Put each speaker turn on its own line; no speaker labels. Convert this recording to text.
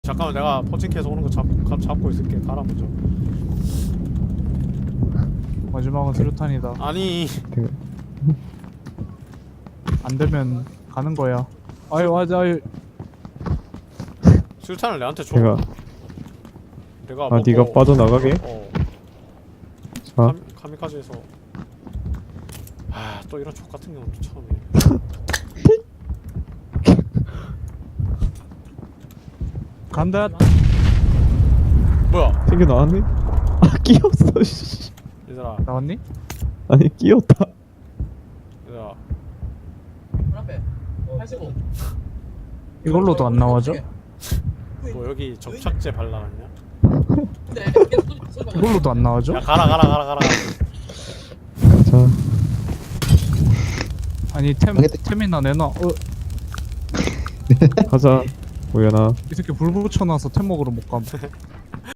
잠깐만 내가 포칭해서 오는 거 잡고 있을게. 가라 먼저.
마지막은 수류탄이다.
아니
안 되면 가는 거야. 아유 맞아. 아유.
술탄을 내한테 줘.
내가
내가
아 네가 빠져나가게? 자
카미카즈에서 또 이런 족 같은 경우는 또 처음이야.
간다.
뭐야?
생겨 나왔네? 아 끼었어 씨.
얘들아
나왔니?
아니 끼었다.
얘들아
앞에 85.
이걸로도 안 나와줘?
뭐 여기 접착제 발라놨냐?
근데 계속 쏘지 마.
이걸로도 안 나와줘?
야 가라.
자
아니 템이나 내놔.
가자 우연아.
이 새끼 불 붙여놔서 템 먹으러 못 감.